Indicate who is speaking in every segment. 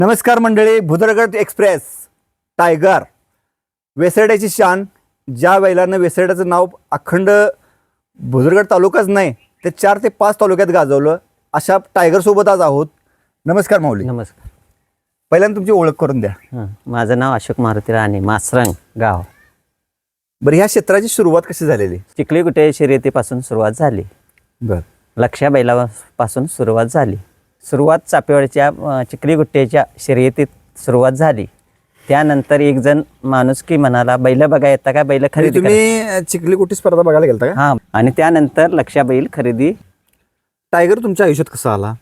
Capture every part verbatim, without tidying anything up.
Speaker 1: नमस्कार मंडळी, Bhudargad express tiger वेसरड्याची शान. ज्या बैलानं वेसरड्याचं नाव अखंड भुदरगड तालुकाच नाही ते चार ते पाच तालुक्यात गाजवलं, अशा टायगरसोबत आज आहोत. नमस्कार माऊली.
Speaker 2: नमस्कार.
Speaker 1: पहिल्यांदा तुमची ओळख करून द्या.
Speaker 2: हं, माझं नाव अशोक मारुती राणे, मासरंग गाव.
Speaker 1: बरं, ह्या क्षेत्राची सुरुवात कशी झालेली?
Speaker 2: चिखली गुटे शर्यतीपासून सुरुवात झाली.
Speaker 1: बरं,
Speaker 2: लक्ष्या बैलापासून सुरुवात झाली. सुरुवात चापेवाडीच्या अं, चिखली गुट्ट्याच्या शर्यतीत सुरुवात झाली. त्यानंतर एक जण माणूस की म्हणाला, बैल बघा येता का, बैल खरेदी करा.
Speaker 1: तुम्ही चिखली कुठे स्पर्धा बघायला गेलता का?
Speaker 2: हां, आणि त्यानंतर लक्ष्या बैल खरेदी.
Speaker 1: टायगर तुमच्या आयुष्यात कसा आला?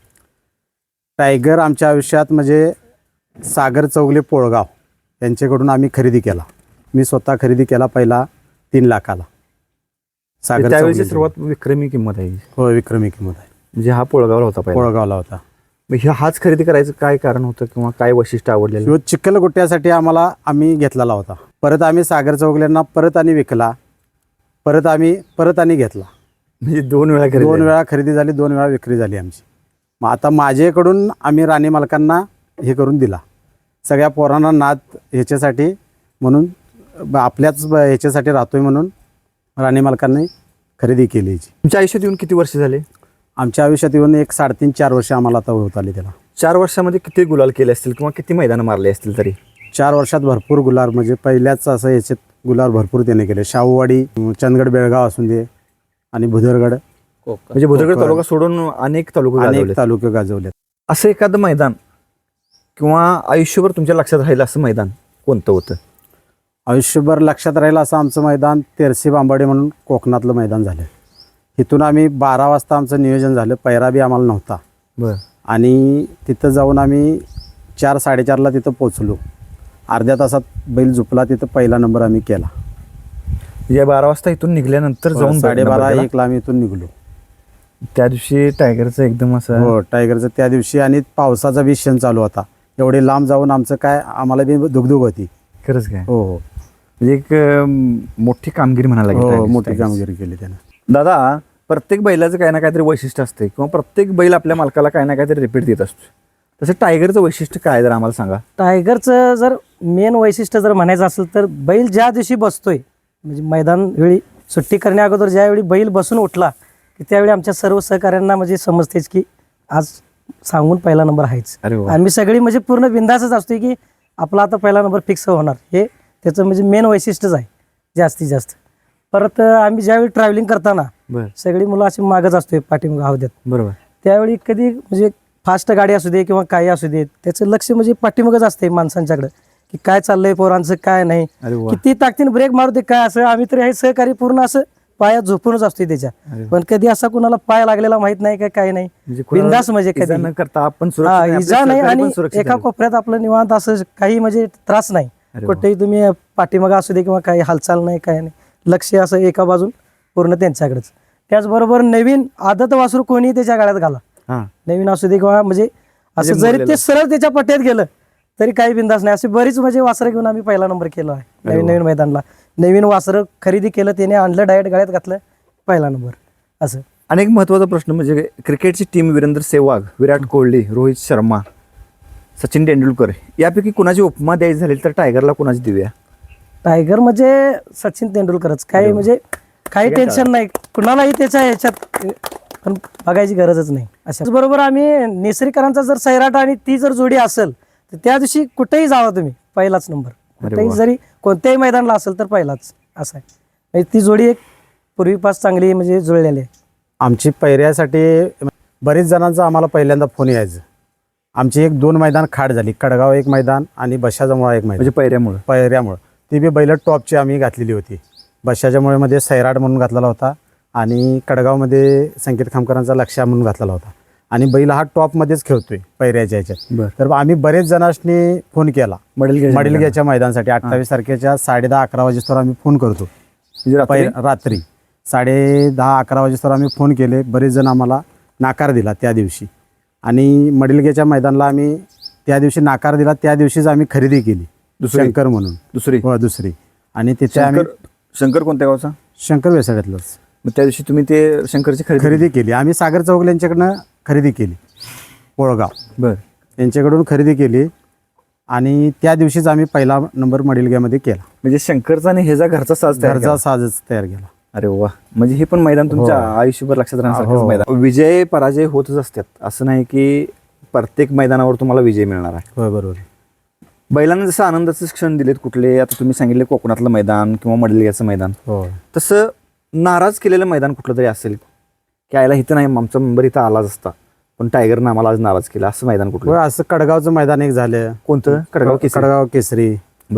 Speaker 3: टायगर आमच्या आयुष्यात म्हणजे सागर चौगले पोळगाव यांच्याकडून आम्ही खरेदी केला. मी स्वतः खरेदी केला पहिला तीन लाखाला. सागर
Speaker 1: त्यावेळेची
Speaker 3: चौगले.
Speaker 1: सुरुवात विक्रमी किंमत आहे,
Speaker 3: हो, विक्रमी किंमत आहे.
Speaker 1: म्हणजे हा पोळगावला होता पहिला.
Speaker 3: पोळगावला होता.
Speaker 1: मग ह्या हाच खरेदी करायचं काय कारण होतं किंवा काय वैशिष्ट्य आवडलेलं?
Speaker 3: ह्यो चिखल गुट्ट्यासाठी आम्हाला आम्ही घेतलेला होता. परत आम्ही सागर चौगल्यांना परत आणि विकला, परत आम्ही परत आणि घेतला.
Speaker 1: म्हणजे दोन वेळा खरेदी
Speaker 3: दोन
Speaker 1: झाली.
Speaker 3: वेळा खरेदी झाली, दोन वेळा विक्री झाली आमची. मग आता माझ्याकडून आम्ही राणी मालकांना हे करून दिला. सगळ्या पोरांना नाद ह्याच्यासाठी म्हणून ब- आपल्याच ब- ह्याच्यासाठी राहतोय म्हणून राणी मालकांनी खरेदी केली याची.
Speaker 1: तुमच्या आयुष्यात येऊन किती वर्ष झाले?
Speaker 3: आमच्या आयुष्यात येऊन एक साडेतीन चार वर्ष आम्हाला आता होत आली त्याला.
Speaker 1: चार वर्षामध्ये किती गुलाल केले असतील किंवा किती मैदान मारले असतील तरी?
Speaker 3: चार वर्षात भरपूर गुलाल, म्हणजे पहिल्याच असं याच्यात गुलाल भरपूर त्याने केले. शाहूवाडी, चंदगड, बेळगाव असून दे आणि भुदरगड,
Speaker 1: म्हणजे भुदरगड तालुका सोडून अनेक तालुके
Speaker 3: अनेक
Speaker 1: गाजवले.
Speaker 3: तालुके गाजवले.
Speaker 1: असं एखादं मैदान किंवा आयुष्यभर तुमच्या लक्षात राहिलं असं मैदान कोणतं होतं?
Speaker 3: आयुष्यभर लक्षात राहिलं असं आमचं मैदान तेरसे बांबाडे म्हणून कोकणातलं मैदान झालं. इथून आम्ही बारा वाजता आमचं नियोजन झालं. पैरा बी आम्हाला नव्हता.
Speaker 1: बरं.
Speaker 3: आणि तिथं जाऊन आम्ही चार साडेचारला तिथं पोचलो. अर्ध्या तासात बैल झुपला. तिथं पहिला नंबर आम्ही केला.
Speaker 1: या बारा वाजता इथून निघल्यानंतर जाऊन
Speaker 3: साडेबारा
Speaker 1: नंबर
Speaker 3: एकला आम्ही इथून निघलो.
Speaker 1: केला. त्या दिवशी टायगरचं एकदम असं
Speaker 3: हो, टायगरचं त्या दिवशी आणि पावसाचा बी क्षण चालू होता. एवढे लांब जाऊन आमचं काय, आम्हाला बी दुगदुग होती.
Speaker 1: खरंच काय,
Speaker 3: हो हो
Speaker 1: म्हणजे एक अं, मोठी कामगिरी म्हणायला लागेल
Speaker 3: हो,
Speaker 1: टायगरची.
Speaker 3: मोठी कामगिरी केली त्यानं.
Speaker 1: दादा, प्रत्येक बैलाचं काही ना काहीतरी वैशिष्ट्य असते किंवा प्रत्येक बैल आपल्या मालकाला काही ना काहीतरी रिपीट देत असतो. तसं टायगरचं वैशिष्ट्य काय जर आम्हाला सांगा?
Speaker 4: टायगरचं जर मेन वैशिष्ट्य जर म्हणायचं असेल तर बैल ज्या दिवशी बसतोय, म्हणजे मैदान वेळी सुट्टी करण्या अगोदर ज्यावेळी बैल बसून उठला की त्यावेळी आमच्या सर्व सहकाऱ्यांना म्हणजे समजतेच की आज सांगून पहिला नंबर आहेच.
Speaker 1: अरे वा.
Speaker 4: आम्ही सगळी म्हणजे पूर्ण बिंदासच असतोय की आपला आता पहिला नंबर फिक्स होणार, हे त्याचं म्हणजे मेन वैशिष्ट्यच आहे जास्तीत जास्त. परत आम्ही ज्यावेळी ट्रॅव्हलिंग करताना
Speaker 1: बरं.
Speaker 4: सगळी मुलं अशी मागच असतोय पाठीमागं हौद्यात.
Speaker 1: बरोबर.
Speaker 4: त्यावेळी कधी म्हणजे फास्ट गाडी असू दे किंवा काही असू दे, त्याचं लक्ष म्हणजे पाठीमागच असते माणसांच्याकडे की काय चाललंय पोरांचं काय नाही,
Speaker 1: अरे वा.
Speaker 4: किती ताकदीने ब्रेक मारू दे काय असं. आम्ही तरी हे सहकारी पूर्ण असं पायात झोपूनच असतोय त्याच्या.
Speaker 1: अरे वा.
Speaker 4: पण कधी असा कुणाला पाय लागलेला माहित नाही काय काही नाही.
Speaker 1: म्हणजे कोणाला
Speaker 4: बिंदास म्हणजे
Speaker 1: इजा
Speaker 4: कधी
Speaker 1: न करता आपण
Speaker 4: हा,
Speaker 1: सुरक्षित आहे, आपले
Speaker 4: इजा नाही
Speaker 1: सहकारी पण
Speaker 4: आणि
Speaker 1: सुरक्षित
Speaker 4: एका
Speaker 1: आहे.
Speaker 4: कोपऱ्यात आपलं निवांत असं काही म्हणजे त्रास नाही.
Speaker 1: अरे वा.
Speaker 4: कुठेही तुम्ही पाठीमागं असू दे किंवा काही हालचाल नाही काय नाही, लक्ष असं एका बाजून पूर्ण त्यांच्याकडेच. त्याचबरोबर नवीन आदत वासरू कोणी त्याच्या गाड्यात घाला,
Speaker 1: हा.
Speaker 4: नवीन असू दे किंवा म्हणजे असं
Speaker 1: म्हणजे
Speaker 4: जरी
Speaker 1: मुरलेलं.
Speaker 4: ते सरळ त्याच्या पट्ट्यात गेलं तरी काही बिंदास नाही. असे बरीच म्हणजे वासरं घेऊन आम्ही पहिला नंबर केला आहे.
Speaker 1: अरे
Speaker 4: नवीन
Speaker 1: वा.
Speaker 4: नवीन मैदानला नवीन वासरं खरेदी केलं, त्याने आणलं डायरेक्ट गाड्यात घातलं, पहिला नंबर असं.
Speaker 1: आणि एक महत्वाचा प्रश्न म्हणजे क्रिकेटची टीम वीरेंद्र सेहवाग, विराट कोहली, रोहित शर्मा, सचिन तेंडुलकर यापैकी कुणाची उपमा द्यायची झाली तर टायगरला कुणाची देऊया?
Speaker 4: टायगर म्हणजे सचिन तेंडुलकरच. काही म्हणजे काही टेन्शन नाही कुणालाही त्याच्या ह्याच्यात, पण बघायची गरजच नाही. अशा बरोबर आम्ही नेसरीकरांचा जर सैराट आणि ती जर जोडी असेल तर त्या दिवशी कुठेही जावा तुम्ही पहिलाच नंबर. कुठेही
Speaker 1: वा.
Speaker 4: जरी कोणत्याही मैदानाला असेल तर पहिलाच असं आहे. म्हणजे ती जोडी एक पूर्वीपास चांगली म्हणजे जुळलेली आहे.
Speaker 3: आमची पैऱ्यासाठी बरेच जणांचा आम्हाला पहिल्यांदा फोन यायचं. आमची एक दोन मैदान खाट झाली. कडगाव एक मैदान आणि बशाजामुळा एक मैदान,
Speaker 1: म्हणजे पैऱ्यामुळे
Speaker 3: पैऱ्यामुळं. ती बी बैल टॉपची आम्ही घातलेली होती. बशाच्या मध्ये सैराट म्हणून घातलेला होता आणि कडगावमध्ये संकेत खामकरांचा लक्ष्या म्हणून घातलेला होता. आणि बैल हा टॉपमध्येच खेळतोय पैऱ्याच्या ह्याच्यात.
Speaker 1: बरं.
Speaker 3: तर आम्ही बरेच जणांनी फोन केला
Speaker 1: मडलगे
Speaker 3: मडिलग्याच्या मैदानासाठी. अठ्ठावीस तारखेच्या साडे दहा अकरा वाजेस्तोवर आम्ही फोन करतो. पै रात्री साडे दहा अकरा वाजेस्तोवर आम्ही फोन केले. बरेच जण आम्हाला नाकार दिला त्या दिवशी. आणि मडिलग्याच्या मैदानाला आम्ही त्या दिवशी नाकार दिला. त्या दिवशीच आम्ही खरेदी केली
Speaker 1: दुसरी?
Speaker 3: शंकर म्हणून.
Speaker 1: दुसरी
Speaker 3: हो, दुसरी. आणि तिथे आम्ही
Speaker 1: शंकर शंकर कोणत्या गावचा?
Speaker 3: शंकर वेसाड्यातलंच.
Speaker 1: मग त्या दिवशी तुम्ही ते शंकरची खरेदी
Speaker 3: खरेदी केली. आम्ही सागर चौगले यांच्याकडनं खरेदी केली. पोळगाव
Speaker 1: बर
Speaker 3: यांच्याकडून खरेदी केली. आणि त्या दिवशीच आम्ही पहिला नंबर मडिलग्यामध्ये केला.
Speaker 1: म्हणजे शंकरचा आणि ह्याचा घरचा साज तयार
Speaker 3: घरचा
Speaker 1: केला.
Speaker 3: साजच तयार केला.
Speaker 1: अरे वा, म्हणजे हे पण मैदान तुमच्या आयुष्यभर लक्षात राहण्यासारखंच
Speaker 3: हो.
Speaker 1: मैदान. विजय पराजय होतच असतात, असं नाही की प्रत्येक मैदानावर तुम्हाला विजय मिळणार आहे.
Speaker 3: होय बरोबर.
Speaker 1: बैलांना जसं आनंदाचे क्षण दिलेत कुठले, आता तुम्ही सांगितले कोकणातलं मैदान किंवा मडलियाचं मैदान,
Speaker 3: हो
Speaker 1: तसं नाराज केलेलं मैदान कुठलं तरी असेल की आयला इथं नाही, आमचा मेंबर इथं आलाच असता पण टायगरनं आम्हाला आज नाराज केला, असं मैदान कुठलं?
Speaker 3: होय, असं कडगावचं मैदान एक झालं.
Speaker 1: कोणतं? कडगाव केसरी.
Speaker 3: कडगाव केसरी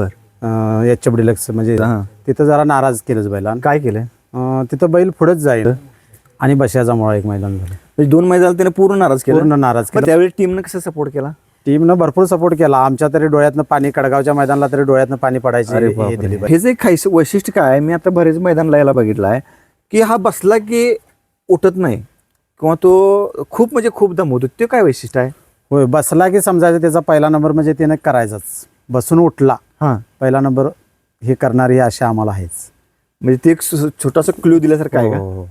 Speaker 1: बर
Speaker 3: एच एफ डिलक्स म्हणजे
Speaker 1: हा.
Speaker 3: तिथं जरा नाराज केलंच बैलान.
Speaker 1: काय केलंय?
Speaker 3: अं, तिथं बैल पुढेच जाईल आणि बशाचा मुळा एक मैदान झालं.
Speaker 1: म्हणजे दोन मैदान त्याने पूर्ण नाराज केलं.
Speaker 3: पूर्ण नाराज
Speaker 1: मग
Speaker 3: केलं.
Speaker 1: त्यावेळी टीमनं कसं सपोर्ट केला?
Speaker 3: टीमनं भरपूर सपोर्ट केला. आमच्या तरी डोळ्यातनं पाणी, कडगावच्या मैदानाला तरी डोळ्यातनं पाणी पडायचे.
Speaker 1: अरे
Speaker 3: हे
Speaker 1: बापरे.
Speaker 3: दिली बैल.
Speaker 1: हे जे खायचं वैशिष्ट्य काय आहे, मी आता बरेच मैदानला यायला बघितलं आहे की हा बसला की उठत नाही किंवा तो खूप म्हणजे खूप दमवतो, ते काय वैशिष्ट्य आहे?
Speaker 3: होय, बसला की समजायचं त्याचा पहिला नंबर म्हणजे त्याने करायचाच. बसून उठला
Speaker 1: हां,
Speaker 3: पहिला नंबर हे करणारी अशा आम्हाला आहेच.
Speaker 1: म्हणजे ते एक सु- छोटासा क्ल्यू दिल्यासारखं आहे का?
Speaker 3: हो.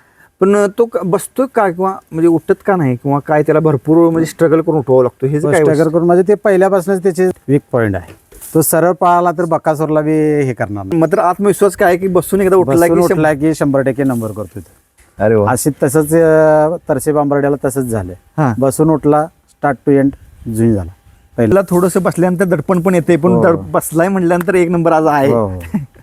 Speaker 1: पण तो क- बसतो का किंवा म्हणजे उठत का नाही किंवा काय, त्याला भरपूर म्हणजे स्ट्रगल करून उठवावं लागतो, हे जे काय
Speaker 3: स्ट्रगल करून म्हणजे ते पहिल्यापासूनच त्याचे वीक पॉईंट आहे. तो सरळ पळाला तर बकासूरला बी हे करणार नाही.
Speaker 1: मात्र आत्मविश्वास काय आहे की बसून एकदा उठला
Speaker 3: बसून
Speaker 1: की शंभर-
Speaker 3: उठला की शंभर टक्के नंबर करतो तो.
Speaker 1: अरे वा.
Speaker 3: अशी तसंच अं, तरसे बांबर्ड्याला तसंच झालं.
Speaker 1: हां.
Speaker 3: बसून उठला, स्टार्ट टू एंड जुई झाला. पहिला
Speaker 1: पहिला थोडंसं बसल्यानंतर दडपण पण येते, पण
Speaker 3: हो.
Speaker 1: दड- बसलाय म्हटल्यानंतर एक नंबर आज आहे,
Speaker 3: हो, हो.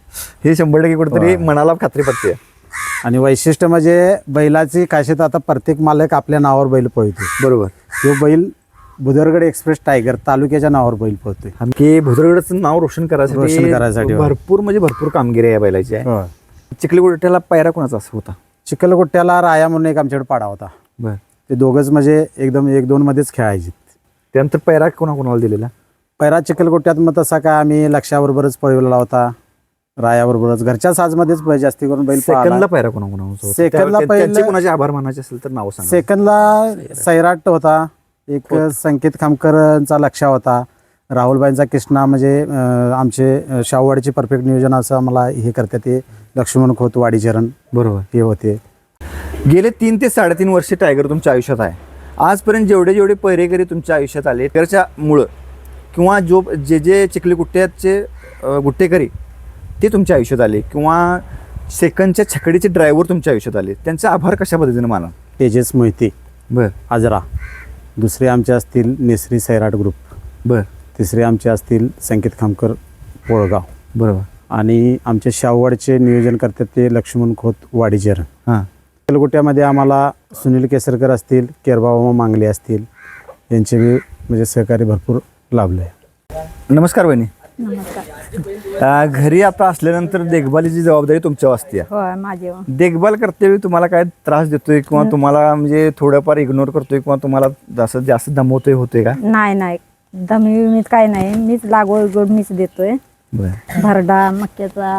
Speaker 1: हे शंभर टक्के कुठेतरी
Speaker 3: हो.
Speaker 1: मनाला खात्री पडते.
Speaker 3: आणि वैशिष्ट्य म्हणजे बैलाची खासियत, आता प्रत्येक मालक आपल्या नावावर बैल पळतो.
Speaker 1: बरोबर.
Speaker 3: तो बैल बुदरगड एक्सप्रेस टायगर तालुक्याच्या नावावर बैल पळतोय.
Speaker 1: की भुदरगडचं नाव रोशन करायसाठी
Speaker 3: रोशन करायसाठी, हो.
Speaker 1: भरपूर म्हणजे भरपूर कामगिरी आहे या बैलाची आहे.
Speaker 3: होय.
Speaker 1: चिखलीगुट्ट्याला पायरा कोणाचा असं होता?
Speaker 3: चिखलगुट्ट्याला राया म्हणून एक आमच्याकडे पाडा होता.
Speaker 1: बर.
Speaker 3: ते दोघंच म्हणजे एकदम एक दोन मध्येच खेळायचे.
Speaker 1: त्यानंतर पायरा कोणा कोणाला दिलेला?
Speaker 3: पैरा चिखलगुट्ट्यात मग तसा काय आम्ही लक्षाबरोबरच पळवलेला होता, रायाबरोबरच घरच्या साजमध्येच बै- जास्ती करून बैल
Speaker 1: सेकंदला
Speaker 3: पळाला.
Speaker 1: पायरा कोणा कोणाचा होता?
Speaker 3: सेकंदला
Speaker 1: त्या-
Speaker 3: पहिलं-
Speaker 1: त्यांचे कोणाचे आभार मानायचे असेल तर नाव सांगा.
Speaker 3: सेकंदला सैराट होता, एक संकेत खामकरांचा लक्ष होता, राहुलबाईंचा कृष्णा म्हणजे अं, आमचे अं, शाहूवाडीचे परफेक्ट नियोजन असं आम्हाला हे करतात ते लक्ष्मण खोत वाडीचरण
Speaker 1: बरोबर.
Speaker 3: हे होते.
Speaker 1: गेले तीन ते साडेतीन वर्ष टायगर तुमच्या आयुष्यात आहे. आजपर्यंत जेवढे जेवढे पैरेकरी तुमच्या आयुष्यात आले त्याच्या मुळं किंवा जो जे जे चिखली गुट्ट्याचे अं, गुट्टेकरी ते तुमच्या आयुष्यात आले किंवा सेकंदच्या छकडीचे ड्रायव्हर तुमच्या आयुष्यात आले, त्यांचे आभार कशा पद्धतीने माना?
Speaker 3: तेजस मोहिते
Speaker 1: बर
Speaker 3: आजरा, दुसरे आमचे असतील नेसरी सैराट ग्रुप,
Speaker 1: बर
Speaker 3: तिसरे आमचे असतील संकेत खामकर पोळगाव,
Speaker 1: बरोबर.
Speaker 3: आणि आमचे शाहूवाडचे नियोजन करतात ते लक्ष्मण खोत वाडीचरण.
Speaker 1: हां,
Speaker 3: तेलगुट्यामध्ये आम्हाला सुनील केसरकर असतील, केरबाबा मांगले असतील, यांचे बी म्हणजे सहकार्य भरपूर लाभलं आहे.
Speaker 1: नमस्कार बहिणी.
Speaker 5: नमस्कार.
Speaker 1: अं, घरी आता असल्यानंतर देखभालीची जबाबदारी तुमच्यावर असते.
Speaker 5: होय माझे
Speaker 1: देखभाल करते तुम्हाला काय त्रास देतोय किंवा तुम्हाला म्हणजे थोडंफार इग्नोर करतोय किंवा तुम्हाला जास्त जास्त दमवतोय होतोय का?
Speaker 5: नाही नाही दमी मीच काय नाही, मीच लागवड गोड मीच देतोय.
Speaker 1: बरं.
Speaker 5: भरडा मक्याचा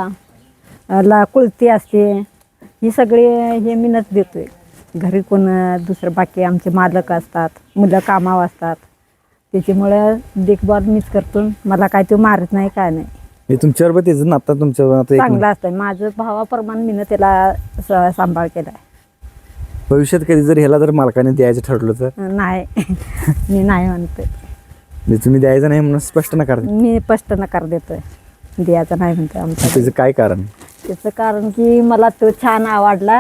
Speaker 5: अ, ला कुळती असते, ही सगळी हे मीनच देतोय. घरी कोण दुसरं बाकी आमचे मालक असतात, मुलं कामावर असतात, त्याच्यामुळं देखभाल मीच करतो. मला काय तो मारत नाही काय नाही,
Speaker 1: हे तुमच्यावर पण त्याचं नातं तुमच्यावर आता एक
Speaker 5: चांगलं असतं. माझं भावाप्रमाणे मीनं त्याला स- सांभाळ केलाय.
Speaker 1: भविष्यात कधी जर ह्याला जर मालकाने द्यायचं ठरलं तर
Speaker 5: नाही मी नाही म्हणते,
Speaker 1: म्हणजे तुम्ही द्यायचं नाही म्हणून स्पष्ट नकार द्या.
Speaker 5: मी स्पष्ट नकार देतोय, द्यायचं नाही म्हणते आमच्या.
Speaker 1: त्याचं काय कारण?
Speaker 5: त्याचं कारण की मला तो छान आवडला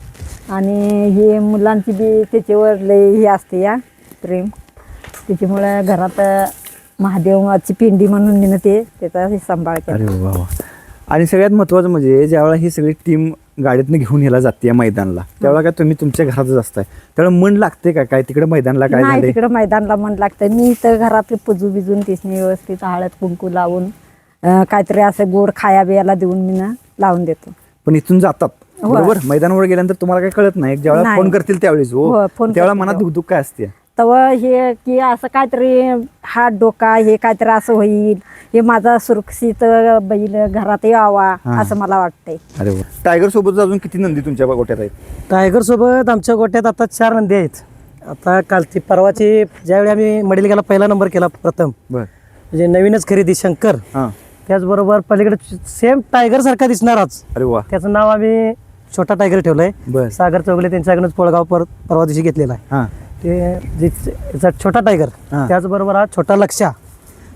Speaker 5: आणि हे मुलांची बी त्याच्यावर लय हे असते या प्रेम, त्याच्यामुळं घरात महादेवाची पिंडी म्हणून मी ते त्याचा हे सांभाळ केला.
Speaker 1: अरे वा वा. आणि सगळ्यात महत्त्वाचं म्हणजे ज्यावेळेला ही सगळी टीम गाडीतनं घेऊन ह्याला जाते या मैदानला, त्यावेळेला काय तुम्ही तुमच्या घरातच असताय, त्यावेळेला मन लागते का काय तिकडे मैदानला काय
Speaker 5: नाही
Speaker 1: झालंय?
Speaker 5: तिकडं मैदानला मन लागतं. मी तर घरात पुजू बिजून तिसने व्यवस्थित हळद कुंकू लावून अं, काहीतरी असं गोड खाया बियाला देऊन मी ना लावून देतो.
Speaker 1: पण इथून जातात
Speaker 5: होय.
Speaker 1: बरोबर, मैदानावर गेल्यानंतर तुम्हाला काय कळत नाही, ज्यावेळेला
Speaker 5: नाही.
Speaker 1: फोन करतील त्यावेळेस हो
Speaker 5: होय, फोन
Speaker 1: त्यावेळेला
Speaker 5: करतील
Speaker 1: मनात
Speaker 5: तेव्हा.
Speaker 1: दुःख काय असते?
Speaker 5: तेव्हा हे की असं काहीतरी हात डोका हे काहीतरी असं होईल, हे माझा सुरक्षित बैल घरात यावा
Speaker 1: हां.
Speaker 5: असं मला वाटतंय.
Speaker 1: अरे वा. टायगर सोबत अजून किती नंदी तुमच्या गोट्यात आहेत?
Speaker 4: टायगर सोबत आमच्या गोट्यात आता चार नंदी आहेत. आता काल ती परवाची ज्यावेळी आम्ही मडिलग्याला पहिला नंबर केला प्रथम,
Speaker 1: बर.
Speaker 4: म्हणजे नवीनच खरेदी शंकर,
Speaker 1: हां.
Speaker 4: त्याचबरोबर पलीकडे सेम टायगर सारखा दिसणारच,
Speaker 1: अरे वा.
Speaker 4: त्याचं नाव आम्ही छोटा टायगर ठेवलंय.
Speaker 1: बर.
Speaker 4: सागर चौगले त्यांच्याकडूनच पोळगाव पर परवा दिवशी घेतलेला आहे.
Speaker 1: हां.
Speaker 4: ते जे- याचा छोटा टायगर,
Speaker 1: हां.
Speaker 4: त्याचबरोबर हा छोटा लक्षा,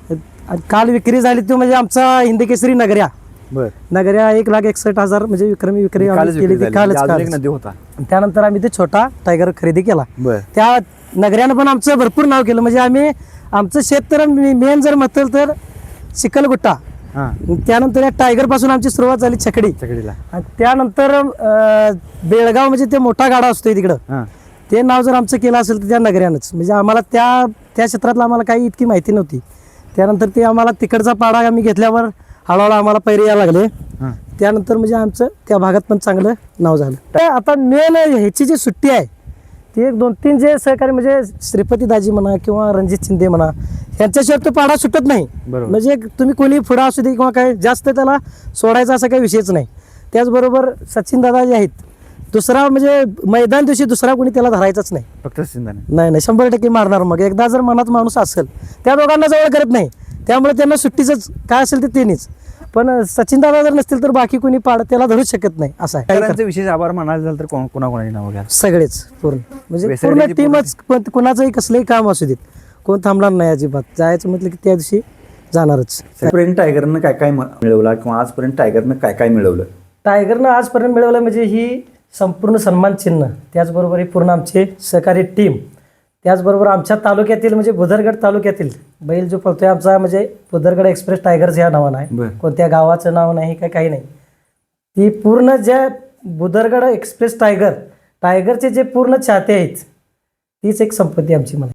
Speaker 4: आणि काल विक्री झाली तो म्हणजे आमचा हिंदकेसरी नगऱ्या
Speaker 1: बर
Speaker 4: नगऱ्या एक लाख एकसष्ट हजार म्हणजे विक्रमी विक्री आम्ही
Speaker 1: कालच
Speaker 4: केली
Speaker 1: विक्री
Speaker 4: ती
Speaker 1: झाली.
Speaker 4: कालच
Speaker 1: म्हणजे अजून एक
Speaker 4: कालच.
Speaker 1: नदी होता.
Speaker 4: त्यानंतर आम्ही ते छोटा टायगर खरेदी केला.
Speaker 1: बर
Speaker 4: त्या नगऱ्यानं पण आमचं भरपूर नाव केलं. म्हणजे आम्ही आमचं शेत तर मेन जर म्हटलं तर चिखलगुट्टा,
Speaker 1: हा
Speaker 4: त्यानंतर या टायगर पासून आमची सुरुवात झाली छकडी,
Speaker 1: चकडीला
Speaker 4: आणि त्यानंतर अं, बेळगाव म्हणजे ते मोठा गाडा असतोय तिकडं,
Speaker 1: हा
Speaker 4: ते नाव जर आमचं केलं असेल तर त्या नगऱ्यानंच. म्हणजे आम्हाला त्या त्या क्षेत्रातलं आम्हाला काही इतकी माहिती नव्हती. त्यानंतर ते आम्हाला तिकडचा पाडा आम्ही घेतल्यावर हळूहळू आम्हाला पैरे यायला लागले.
Speaker 1: हा
Speaker 4: त्यानंतर म्हणजे आमचं त्या भागात पण चांगलं नाव झालं. तर आता मेन ह्याची जी सुट्टी आहे ती एक दोन तीन जे सहकारी म्हणजे श्रीपती दाजी म्हणा किंवा रणजित शिंदे म्हणा यांच्याशिवाय तो पाडा सुटत नाही.
Speaker 1: बरोबर.
Speaker 4: म्हणजे तुम्ही कोणी पुढं असू दे किंवा काय जास्त त्याला सोडायचा असा काही विषयच नाही. त्याचबरोबर सचिन दादा जे आहेत दुसरा म्हणजे मैदान दिवशी दुसरा कोणी त्याला धरायचाच नाही.
Speaker 1: फक्त सिंधाने
Speaker 4: नाही नाही शंभर टक्के मारणार. मग एकदा जर मनात माणूस असेल त्या दोघांना जवळ करत नाही, त्यामुळे त्यांना सुट्टीच काय असेल ते त्यांनीच. पण सचिन दादा जर नसतील तर बाकी कोणी पाड त्याला धरूच शकत नाही असं आहे.
Speaker 1: शेतकऱ्यांचे विशेष आभार म्हणायला झालं तर कोण कोणाकोणाची नावं घ्या.
Speaker 4: सगळेच पूर्ण म्हणजे पूर्ण
Speaker 1: वेसर्डीची
Speaker 4: टीमच पण कुणाचंही कसलंही काम असू देत कोण थांबणार नाही अजिबात. जायचं म्हटलं की त्या दिवशी जाणारच.
Speaker 1: आजपर्यंत टायगरनं काय काय मिळवलं किंवा आजपर्यंत टायगरनं काय काय मिळवलं?
Speaker 4: टायगरनं आजपर्यंत मिळवलं म्हणजे ही संपूर्ण सन्मान चिन्ह, त्याचबरोबर ही पूर्ण आमची सहकारी टीम, त्याचबरोबर आमच्या तालुक्यातील म्हणजे बुधरगड तालुक्यातील बैल जो पळतोय आमचा म्हणजे बुधरगड एक्सप्रेस टायगर्स या नावानं आहे.
Speaker 1: बरं.
Speaker 4: कोणत्या गावाचं नाव नाही काय काही नाही. ती पूर्ण ज्या बुधरगड एक्सप्रेस टायगर टायगरचे जे पूर्ण चाहते आहेत तीच एक संपत्ती आमची म्हणा.